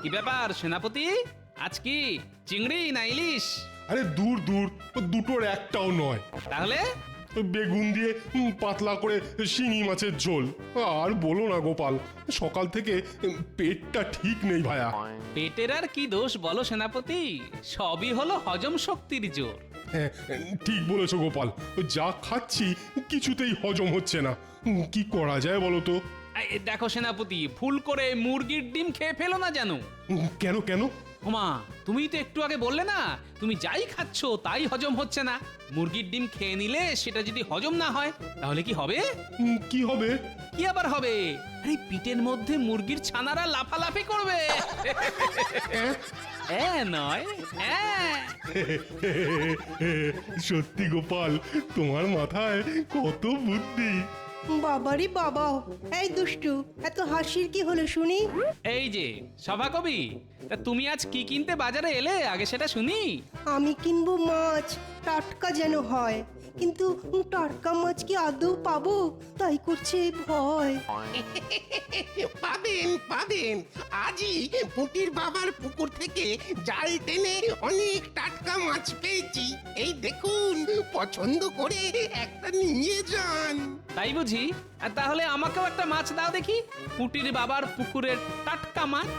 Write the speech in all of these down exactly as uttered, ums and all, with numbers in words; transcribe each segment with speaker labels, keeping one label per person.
Speaker 1: কি ব্যাপার সেনাপতি, আজ কি চিংড়ি না ইলিশ?
Speaker 2: আরে দূর দূর, ও দুটোর একটাও নয়।
Speaker 1: তাহলে
Speaker 2: ওই বেগুন দিয়ে উম, পাতলা করে শিঙি মাছের ঝোল। আর বলো না গোপাল, সকাল থেকে উম, পেটটা ঠিক নেই ভায়া।
Speaker 1: পেটের আর কি দোষ বলো সেনাপতি, সবই হলো হজম শক্তির জোর।
Speaker 2: হ্যাঁ, ঠিক বলেছো গোপাল, যা খাচ্ছি কিছুতেই হজম হচ্ছে না। উম, কি করা যায় বলো তো?
Speaker 1: এই দেখো সেনাপতি, ভুল করে মুরগির ডিম খেয়ে ফেলো না জানো।
Speaker 2: উম, কেন কেন?
Speaker 1: ওমা, তুমি তো একটু আগে বললে না তুমি যাই খাচ্ছ তাই হজম হচ্ছে না। মুরগির ডিম খেয়ে নিলে সেটা যদি হজম না হয় তাহলে কি হবে?
Speaker 2: উম, কি হবে?
Speaker 1: কি আবার হবে? আরে পিটের মধ্যে মুরগির ছানারা লাফালাফি করবে। এ নয় হ্যাঁ।
Speaker 2: সত্যি গোপাল, তোমার মাথায় কত বুদ্ধি।
Speaker 3: বাবারে বাবা, এই দুষ্টু, এত হাসির কি হলো শুনি?
Speaker 1: এই যে সভাকবি, তা তুমি আজ কি কিনতে বাজারে এলে আগে সেটা শুনি।
Speaker 3: আমি কিনবো মাছ, টাটকা যেন হয়, কিন্তু টাটকা মাছ কি আদৌ পাবো তাই করছে ভয়।
Speaker 4: পাবেন পাবেন, আজই পুটির বাবার পুকুর থেকে জাল টেনে অনেক টাটকা মাছ পেয়েছি। এই দেখুন, পছন্দ করে একটা নিয়ে যান।
Speaker 1: তাই বুঝি? আর তাহলে আমাকেও একটা মাছ দাও দেখি, পুটির বাবার পুকুরের টাটকা মাছ।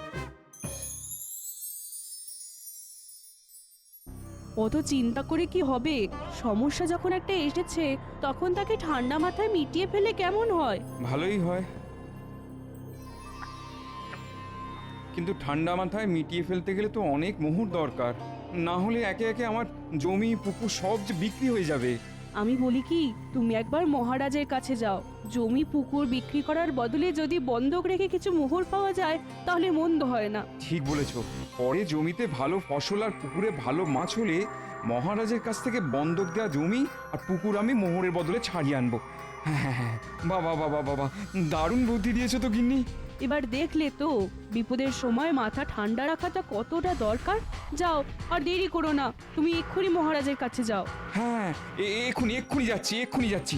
Speaker 5: অত চিন্তা করে কি হবে? সমস্যা যখন একটা এসেছে তখন তাকে ঠান্ডা মাথায় মিটিয়ে ফেলে কেমন হয়?
Speaker 6: ভালোই হয়, কিন্তু ঠান্ডা মাথায় মিটিয়ে ফেলতে গেলে তো অনেক মোহর দরকার, না হলে একে একে আমার জমি পুকুর সব যে বিক্রি হয়ে যাবে।
Speaker 5: আমি বলি কি, তুমি একবার মহারাজের কাছে যাও, জমি পুকুর বিক্রি করার বদলে যদি বন্ধক রেখে কিছু মোহর পাওয়া যায় তাহলে মন্দ হয় না।
Speaker 6: ঠিক বলেছ, পরে জমিতে ভালো ফসল আর পুকুরে ভালো মাছ হলে মহারাজের কাছ থেকে বন্ধক দেওয়া জমি আর পুকুর আমি মোহরের বদলে ছাড়িয়ে আনবো। হ্যাঁ হ্যাঁ হ্যাঁ, বাবা বাবা বাবা, দারুণ বুদ্ধি দিয়েছো তো গিন্নি।
Speaker 5: এবার দেখলে তো বিপদের সময় মাথা ঠান্ডা রাখাটা কতটা দরকার। যাও, আর দেরি করো না, তুমি এক্ষুনি মহারাজের কাছে যাও।
Speaker 6: হ্যাঁ, এ- এক্ষুনি এক্ষুনি যাচ্ছি এক্ষুনি যাচ্ছি।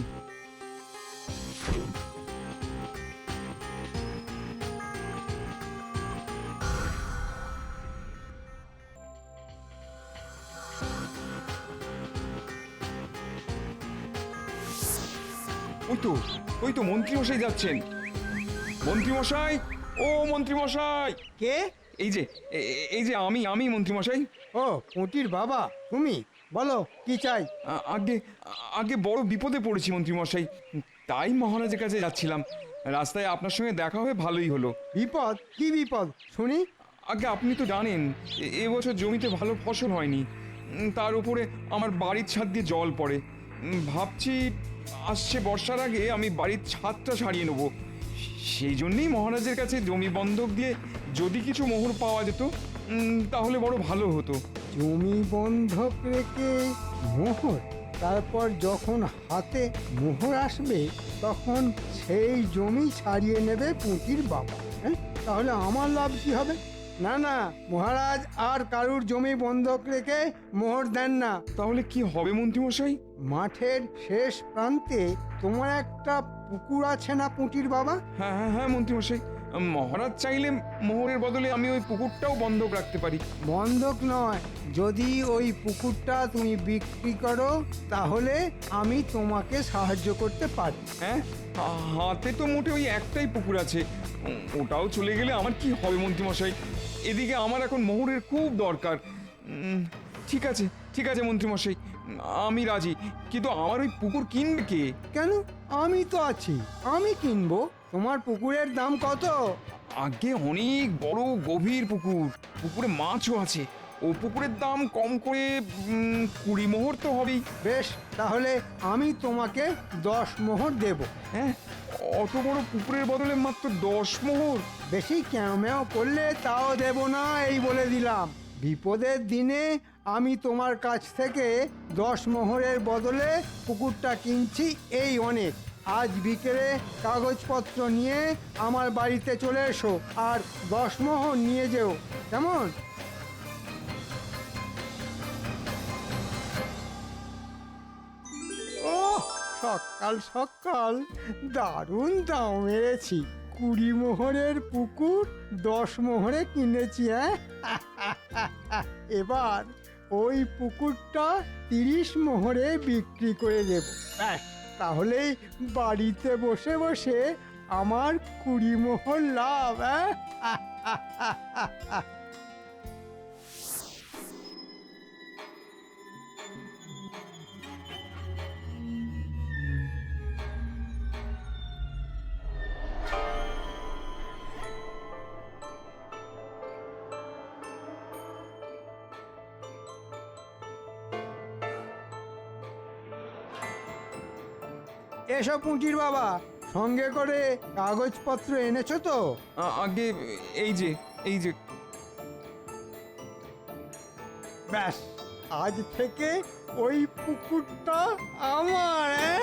Speaker 6: ওই তো ওই তো মন্ত্রী মশাই যাচ্ছেন। মন্ত্রী মশাই, ও মন্ত্রী মশাই,
Speaker 7: কে?
Speaker 6: এই যে এ- এ- এই যে আমি আমি মন্ত্রী মশাই।
Speaker 7: ও পুঁটির বাবা, তুমি বলো কি চাই?
Speaker 6: আ- আগে আগে বড় বিপদে পড়েছি মন্ত্রী মশাই, তাই মহারাজের কাছে যাচ্ছিলাম। রাস্তায় আপনার সঙ্গে দেখা হয়ে ভালোই হলো।
Speaker 7: বিপদ? কি বিপদ শুনি?
Speaker 6: আগে আপনি তো জানেন এ- এবছর জমিতে ভালো ফসল হয়নি, উম, তার উপরে আমার বাড়ির ছাদ দিয়ে জল পড়ে। উম, ভাবছি আসছে বর্ষার আগে আমি বাড়ির ছাদটা সারিয়ে নেব। সেই জন্যই মহারাজের কাছে জমি বন্ধক দিয়ে যদি কিছু মোহর পাওয়া যেত উম, তাহলে বড় ভালো হতো।
Speaker 7: জমি বন্ধক রেখে মোহর, তারপর যখন হাতে মোহর আসবে তখন সেই জমি ছাড়িয়ে নেবে পুঁটির বাবা। হ্যাঁ, তাহলে আমার লাভ কি হবে? না না, মহারাজ আর কারুর জমি বন্ধক রেখে মোহর দেন না।
Speaker 6: তাহলে কি হবে মন্ত্রী মশাই?
Speaker 7: মাঠের শেষ প্রান্তে তোমার একটা পুকুর আছে না পুঁটির বাবা?
Speaker 6: হ্যাঁ হ্যাঁ হ্যাঁ মন্ত্রী মশাই, মহারাজ চাইলে মোহরের বদলে আমি ওই পুকুরটাও বন্ধক রাখতে পারি।
Speaker 7: বন্ধক নয়, যদি ওই পুকুরটা তুমি বিক্রি করো তাহলে আমি তোমাকে সাহায্য করতে পারি।
Speaker 6: হ্যাঁ, হাতে তো মোটে ওই একটাই পুকুর আছে, উম, ওটাও চলে গেলে আমার কি হবে মন্ত্রী মশাই? এদিকে আমার এখন মোহরের খুব দরকার। উম, ঠিক আছে ঠিক আছে মন্ত্রী মশাই, আমি রাজি, কিন্তু আমার ওই পুকুর কিনবে কে?
Speaker 7: কেন? আমি তো আছি, আমি কিনবো। তোমার পুকুরের দাম কত?
Speaker 6: আগে অনেক বড় গভীর পুকুর, পুকুরে মাছও আছে। ও পুকুরের দাম কম করে উম, কুড়ি মোহর তো হবেই।
Speaker 7: বেশ, তাহলে আমি তোমাকে দশ মোহর দেব।
Speaker 6: হ্যাঁ, অত বড় পুকুরের বদলে মাত্র দশ মোহর?
Speaker 7: বেশি ক্যামেও করলে তাও দেব না, এই বলে দিলাম। বিপদের দিনে আমি তোমার কাছ থেকে দশ মোহরের বদলে পুকুরটা কিনছি, এই অনেক। আজ বিকেলে কাগজপত্র নিয়ে আমার বাড়িতে চলে এসো আর দশ মোহর নিয়ে যেও, কেমন? ও সকাল সকাল দারুণ দাম মেরেছি। কুড়ি মোহরের পুকুর দশ মোহরে কিনেছি, হ্যাঁ? এবার ওই পুকুরটা তিরিশ মোহরে বিক্রি করে দেব। ব্যাস, তাহলেই বাড়িতে বসে বসে আমার কুড়ি মোহর লাভ, হ্যাঁ? এসো পুঁটির বাবা, সঙ্গে করে কাগজপত্র এনেছো তো?
Speaker 6: আ- আগে এই যে এই যে
Speaker 7: ব্যাস, আজ থেকে ওই পুকুরটা আমার, হ্যাঁ?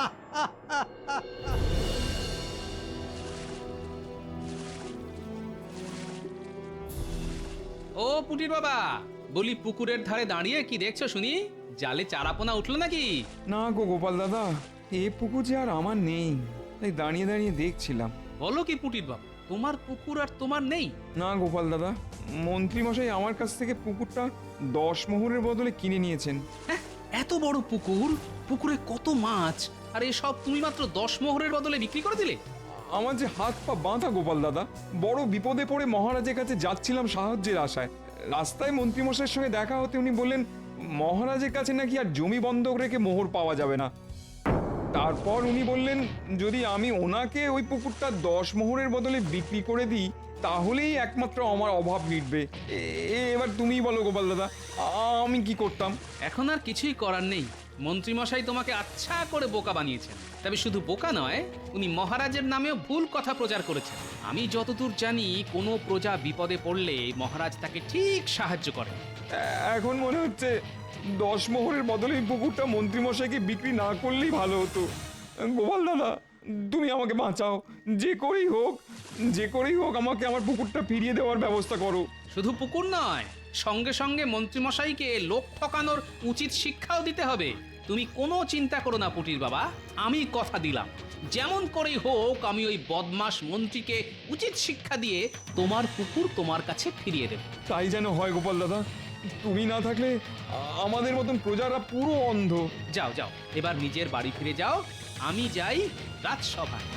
Speaker 1: ও পুটির বাবা, বলি পুকুরের ধারে দাঁড়িয়ে কি দেখছো শুনি? জালে চারাপোনা উঠলো নাকি?
Speaker 6: না গো গোপাল দাদা, এ পুকুর যে আর আমার নেই, তাই দাঁড়িয়ে দাঁড়িয়ে দেখছিলাম।
Speaker 1: বলো কি পুটির বাবা, তোমার পুকুর আর তোমার নেই?
Speaker 6: না গোপাল দাদা, মন্ত্রী মশাই আমার কাছ থেকে পুকুরটা দশ মোহরের বদলে কিনে নিয়েছেন।
Speaker 1: হ্যাঁ, এত বড় পুকুর, পুকুরে কত মাছ, আর এসব তুমি মাত্র দশ মোহরের বদলে বিক্রি করে দিলে?
Speaker 6: আমার যে হাত পা বাঁধা গোপাল দাদা, বড় বিপদে পড়ে মহারাজের কাছে যাচ্ছিলাম সাহায্যের আশায়। রাস্তায় মন্ত্রীমশাইয়ের সঙ্গে দেখা হতে উনি বললেন মহারাজের কাছে নাকি আর জমি বন্ধক রেখে মোহর পাওয়া যাবে না। তারপর উনি বললেন যদি আমি ওনাকে ওই পুকুরটা দশ মোহরের বদলে বিক্রি করে দিই তাহলেই একমাত্র আমার অভাব মিটবে। এ- এবার তুমিই বলো গোপাল দাদা, আমি কি করতাম?
Speaker 1: এখন আর কিছুই করার নেই। মন্ত্রীমশাই তোমাকে আচ্ছা করে বোকা বানিয়েছেন। তবে শুধু বোকা নয়, উনি মহারাজের নামেও ভুল কথা প্রচার করেছেন। আমি যতদূর জানি, কোনো প্রজা বিপদে পড়লে মহারাজ তাকে ঠিক সাহায্য করেন।
Speaker 6: এখন মনে হচ্ছে দশ মোহরের বদলে এই পুকুরটা মন্ত্রীমশাইকে বিক্রি না করলেই ভালো হতো। গোপাল দাদা, তুমি আমাকে বাঁচাও, যে করেই হোক যে করেই হোক আমাকে আমার পুকুরটা ফিরিয়ে দেওয়ার ব্যবস্থা করো।
Speaker 1: শুধু পুকুর নয়, সঙ্গে সঙ্গে মন্ত্রীমশাইকে লোক ঠকানোর উচিত শিক্ষাও দিতে হবে। তুমি কোনো চিন্তা করো না পুটির বাবা, আমি কথা দিলাম, যেমন করেই হোক আমি ওই বদমাস মন্ত্রীকে উচিত শিক্ষা দিয়ে তোমার পুকুর তোমার কাছে ফিরিয়ে দেব।
Speaker 6: তাই যেন হয় গোপাল দাদা, তুমি না থাকলে আ- আমাদের মতন প্রজারা পুরো অন্ধ।
Speaker 1: যাও যাও, এবার নিজের বাড়ি ফিরে যাও, আমি যাই রাজসভায়।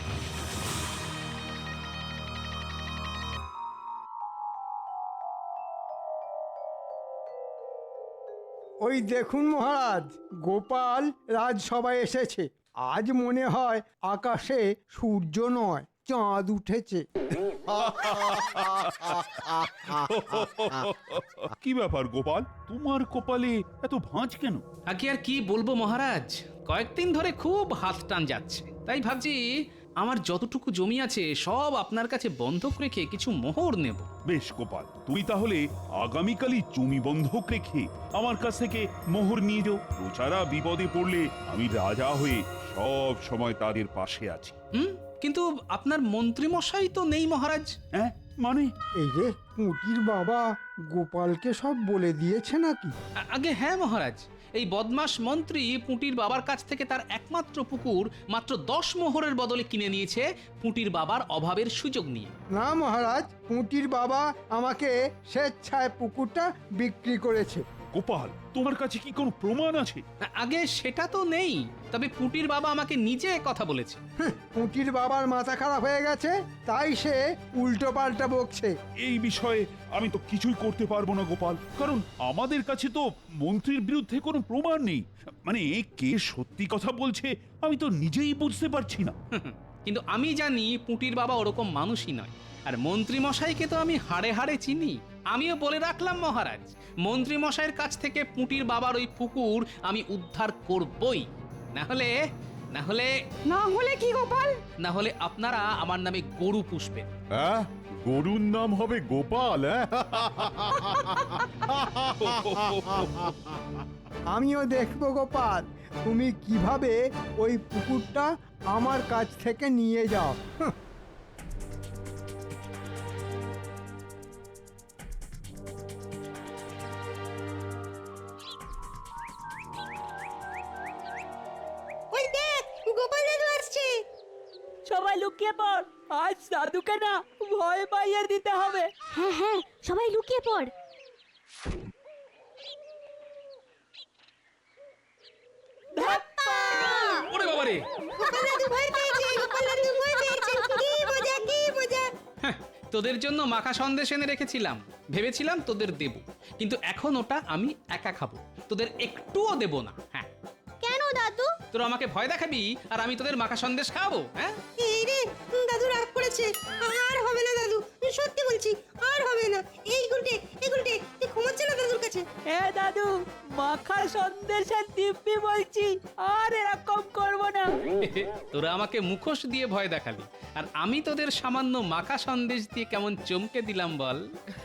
Speaker 7: ওই দেখুন মহারাজ, গোপাল রাজসভায় এসেছে। আজ মনে হয় আকাশে সূর্য নয়, চাঁদ উঠেছে।
Speaker 8: কি ব্যাপার গোপাল, তোমার কপালে এত ভাঁজ কেন?
Speaker 1: আগে আর কি বলবো মহারাজ, কয়েকদিন ধরে খুব হাত টান যাচ্ছে। তাই ভাবছি আমার যতটুকু জমি আছে সব আপনার কাছে বন্ধক রেখে কিছু মোহর নেব।
Speaker 8: বেশ গোপাল, তুমি তাহলে আগামীকালই জমি বন্ধক রেখে আমার কাছ থেকে মোহর নিয়ে যাও। প্রজারা বিপদে পড়লে আমি রাজা হয়ে সব সময় তাদের পাশে আছি।
Speaker 1: হুম, কিন্তু আপনার মন্ত্রীমশাই তো নেই মহারাজ।
Speaker 8: হ্যাঁ মানে?
Speaker 7: এই রে, পুঁটির বাবা গোপালকে সব বলে দিয়েছে নাকি?
Speaker 1: আ- আগে হ্যাঁ মহারাজ, এই বদমাস মন্ত্রী পুঁটির বাবার কাছ থেকে তার একমাত্র পুকুর মাত্র দশ মোহরের বদলে কিনে নিয়েছে পুঁটির বাবার অভাবের সুযোগ নিয়ে।
Speaker 7: না মহারাজ, পুঁটির বাবা আমাকে স্বেচ্ছায় পুকুরটা বিক্রি করেছে।
Speaker 8: গোপাল, তোমার কাছে কি কোনো প্রমাণ আছে?
Speaker 1: আ- আগে সেটা তো নেই, তবে পুঁটির বাবা আমাকে নিজে কথা বলেছে।
Speaker 7: হ্যাঁ, পুঁটির বাবার মাথা খারাপ হয়ে গেছে, তাই সে উল্টো পাল্টা বকছে।
Speaker 8: এই বিষয়ে আমি তো কিছুই করতে পারবো না গোপাল, কারণ আমাদের কাছে তো মন্ত্রীর বিরুদ্ধে কোনো প্রমাণ নেই। মানে কে সত্যি কথা বলছে আমি তো নিজেই বুঝতে পারছি না।
Speaker 1: কিন্তু আমি জানি পুঁটির বাবা ওরকম মানুষই নয়। আর মন্ত্রী মশাইকে তো আমি হাড়ে হাড়ে চিনি। আমিও বলে রাখলাম মহারাজ, মন্ত্রী মশাইয়ের কাছ থেকে পুঁটির বাবার ওই পুকুর আমি উদ্ধার করবই। না হলে না হলে
Speaker 5: না হলে কি গোপাল?
Speaker 1: না হলে আপনারা আমার নামে গরু পুষবেন।
Speaker 2: হ্যাঁ, গরুর নাম হবে গোপাল, হ্যাঁ?
Speaker 7: আমিও দেখবো গোপাল, তুমি কিভাবে ওই পুকুরটা আমার কাছ থেকে নিয়ে যাও। হুঁ।
Speaker 3: ওই দেখ, গোপাল দাদু আসছে।
Speaker 5: সবাই লুকিয়ে পড়, আজ দাদুকে না ভয় পাইয়ে দিতে হবে।
Speaker 9: হ্যাঁ হ্যাঁ সবাই লুকিয়ে পড়।
Speaker 1: ওরে বাবারে,
Speaker 3: গোপাল দাদু ভয় পেয়েছে, গোপাল দাদু ভয় পেয়েছে। কি মজা, কি মজা।
Speaker 1: হ্যাঁ, তোদের জন্য মাখা সন্দেশ এনে রেখেছিলাম, ভেবেছিলাম তোদের দেব, কিন্তু এখন ওটা আমি একা খাবো, তোদের একটুও দেব না। হ্যাঁ,
Speaker 9: কেন দাদু?
Speaker 1: তোরা আমাকে ভয় দেখাবি আর আমি তোদের মাখা সন্দেশ খাবো? হ্যাঁ,
Speaker 3: এই রে, দাদু রাগ করেছে। আর হবে না দাদু, সত্যি বলছি, আর হবে না। এই গুলটে, এই গুলটে, তুই ঘুমাচ্ছে না দাদুর কাছে?
Speaker 5: এ দাদু, মাখা সন্দেশের দিব্যি বলছি, আর এরকম করব না।
Speaker 1: তোরা আমাকে মুখোশ দিয়ে ভয় দেখালি, আর আমি তোদের সামান্য মাখা সন্দেশ দিয়ে কেমন চমকে দিলাম বল।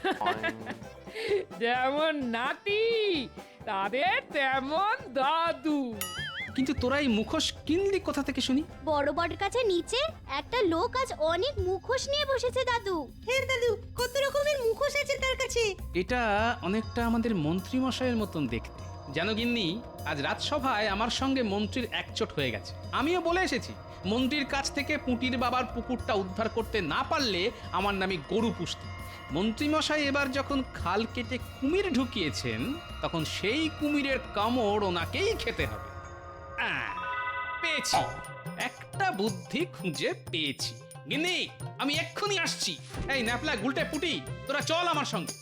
Speaker 10: যেমন নাতি তাদের তেমন দাদু।
Speaker 1: কিন্তু তোরা এই মুখোশ কিনলি কোথা থেকে শুনি?
Speaker 9: বড় বড় কাছে নিচে একটা লোক আজ অনেক মুখোশ নিয়ে বসেছে দাদু।
Speaker 3: হ্যাঁ দাদু, কত রকমের মুখোশ আছে তার কাছে।
Speaker 1: এটা অনেকটা আমাদের মন্ত্রী মশাইয়ের মতন দেখতে। জানো গিন্নি, আজ রাজসভায় আমার সঙ্গে মন্ত্রীর একচোট হয়ে গেছে। আমিও বলে এসেছি, মন্ত্রীর কাছ থেকে পুঁটির বাবার পুকুরটা উদ্ধার করতে না পারলে আমার নামে গরু পুষতে। মন্ত্রীমশাই এবার যখন খাল কেটে কুমির ঢুকিয়েছেন, তখন সেই কুমিরের কামড় ওনাকেই খেতে হবে। আহ, পেয়েছি, একটা বুদ্ধি খুঁজে পেয়েছি। গিন্নি, আমি এক্ষুনি আসছি। এই ন্যাপলা, গুলটে, পুটি, তোরা চল আমার সঙ্গে।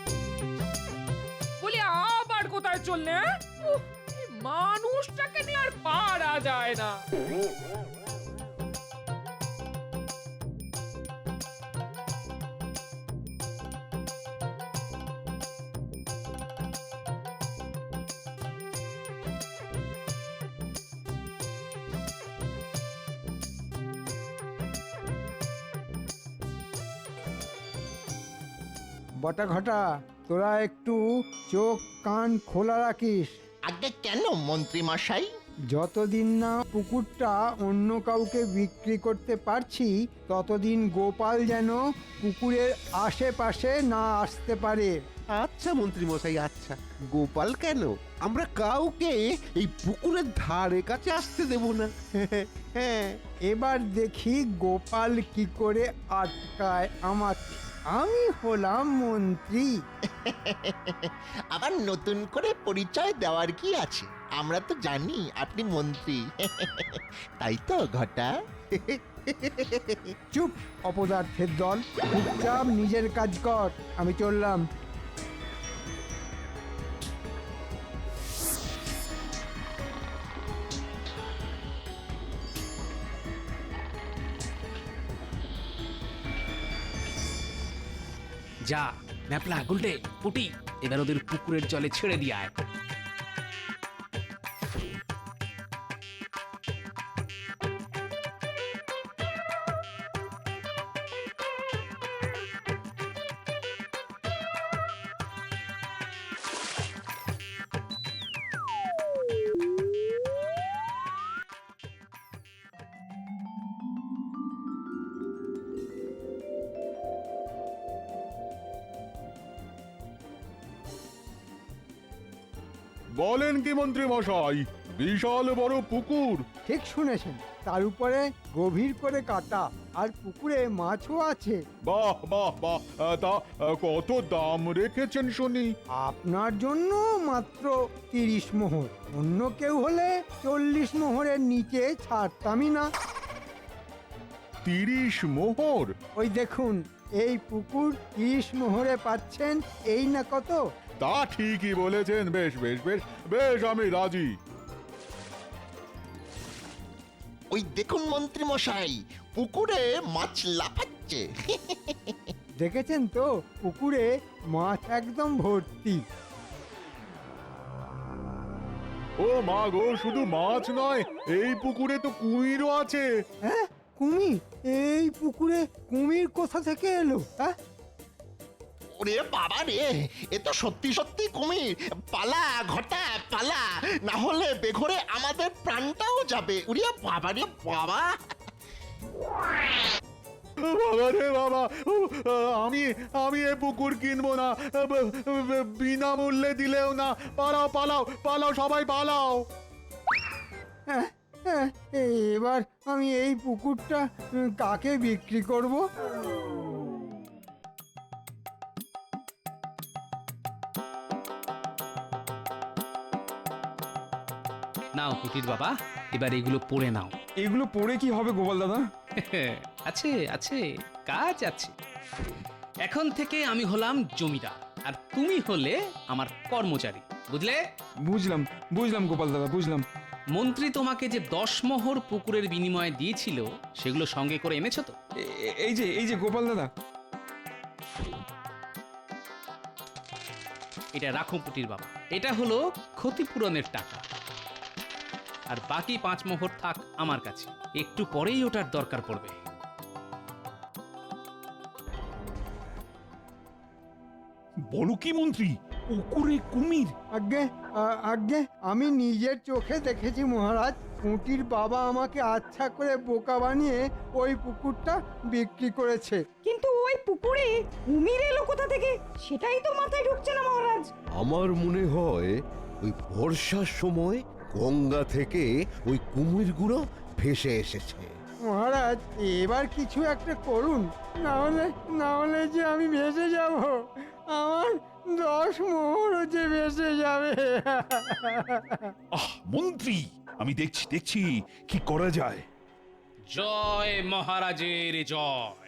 Speaker 10: বলি আবার কোথায় চললে? হ্যাঁ? উফ, এই মানুষটাকে নিয়ে আর পারা যায় না।
Speaker 7: বটা ঘটা, তোরা একটু চোখ কান খোলা রাখিস।
Speaker 4: আগে কেন মন্ত্রী মশাই?
Speaker 7: যতদিন না পুকুরটা অন্য কাউকে বিক্রি করতে পারছি, ততদিন গোপাল যেন পুকুরের আশেপাশে না আসতে পারে।
Speaker 11: আচ্ছা মন্ত্রী মশাই, আচ্ছা। গোপাল কেন, আমরা কাউকে এই পুকুরের ধারে কাছে আসতে দেব না। হ্যাঁ,
Speaker 7: এবার দেখি গোপাল কি করে আটকায় আমাকে। আমি হলাম মন্ত্রী।
Speaker 4: আবার নতুন করে পরিচয় দেওয়ার কি আছে? আমরা তো জানি আপনি মন্ত্রী। তাই তো ঘটা?
Speaker 7: চুপ অপদার্থের দল, চুপচাপ নিজের কাজ কর। আমি চললাম।
Speaker 1: যা ন্যাপলা, গুলটে, পুটি, এবার ওদের পুকুরের জলে ছেড়ে দিয়ে আয়।
Speaker 2: বলেন কি মন্ত্রী মশাই, বিশাল বড় পুকুর?
Speaker 7: ঠিক শুনেছেন, তার উপরে গভীর করে কাটা, আর পুকুরে মাছও আছে।
Speaker 2: বাহ বাহ বাহ, আহ, তা আহ, কত দাম রেখেছেন শুনি?
Speaker 7: আপনার জন্য মাত্র তিরিশ মোহর, অন্য কেউ হলে চল্লিশ মোহরের নিচে ছাড়তামই না।
Speaker 2: তিরিশ মোহর?
Speaker 7: ওই দেখুন, এই পুকুর তিরিশ মোহরে পাচ্ছেন, এই না কত?
Speaker 2: তা ঠিকই বলেছেন। বেশ বেশ বেশ বেশ, আমি রাজি।
Speaker 4: ওই দেখুন মন্ত্রী মশাই, পুকুরে মাছ লাফাচ্ছে।
Speaker 7: দেখেছেন তো, পুকুরে মাছ একদম ভর্তি।
Speaker 2: ও মা গো, শুধু মাছ নয়, এই পুকুরে তো কুমিরও আছে।
Speaker 7: হ্যাঁ, কুমির? এই পুকুরে কুমির কোথা থেকে এলো? হ্যাঁ,
Speaker 4: ওরে বাবা রে, এ তো সত্যি সত্যি কুমির। পালা ঘটা, পালা, না হলে বেঘরে আমাদের প্রাণটাও যাবে। উরে বাবা রে বাবা।
Speaker 2: বাবা রে বাবা, আমি আমি এ পুকুর কিনবো না, বিনামূল্যে দিলেও না। পালাও পালাও পালাও, সবাই পালাও।
Speaker 7: হ্যাঁ, হ্যাঁ, এবার আমি এই পুকুরটা উম, কাকে বিক্রি করব?
Speaker 1: নাও পুটির বাবা, এবার এগুলো পড়ে নাও।
Speaker 6: এগুলো পড়ে কি হবে গোপাল দাদা?
Speaker 1: আছে আছে, কাজ আছে। এখন থেকে আমি হলাম জমিদার আর তুমি হলে আমার কর্মচারী, বুঝলে?
Speaker 6: বুঝলাম বুঝলাম গোপাল দাদা, বুঝলাম।
Speaker 1: মন্ত্রী তোমাকে যে দশ মোহর পুকুরের বিনিময়ে দিয়েছিল সেগুলো সঙ্গে করে এনেছো তো?
Speaker 6: এ- এ- এই যে এই যে গোপাল দাদা,
Speaker 1: এটা রাখো পুটির বাবা, এটা হলো ক্ষতিপূরণের টাকা। আর বাকি পাঁচ মোহর থাক আমার কাছে, একটু পরেই ওটার দরকার পড়বে।
Speaker 8: বলো কি মন্ত্রী, পুকুরে কুমির?
Speaker 7: আজ্ঞে আ- আজ্ঞে আমি নিজের চোখে দেখেছি মহারাজ। পুঁটির বাবা আমাকে আচ্ছা করে বোকা বানিয়ে ওই পুকুরটা বিক্রি করেছে।
Speaker 3: কিন্তু ওই পুকুরে কুমির এলো কোথা থেকে সেটাই তো মাথায় ঢুকছে না মহারাজ।
Speaker 11: আমার মনে হয় ওই বর্ষার সময় গঙ্গা থেকে ওই কুমিরগুলো ভেসে এসেছে।
Speaker 7: মহারাজ এবার কিছু একটা করুন, না হলে না হলে যে আমি ভেসে যাব, আমার দশ মোহরও যে ভেসে যাবে।
Speaker 8: আহ মন্ত্রী, আমি দেখছি দেখছি কি করা যায়।
Speaker 1: জয় মহারাজের জয়।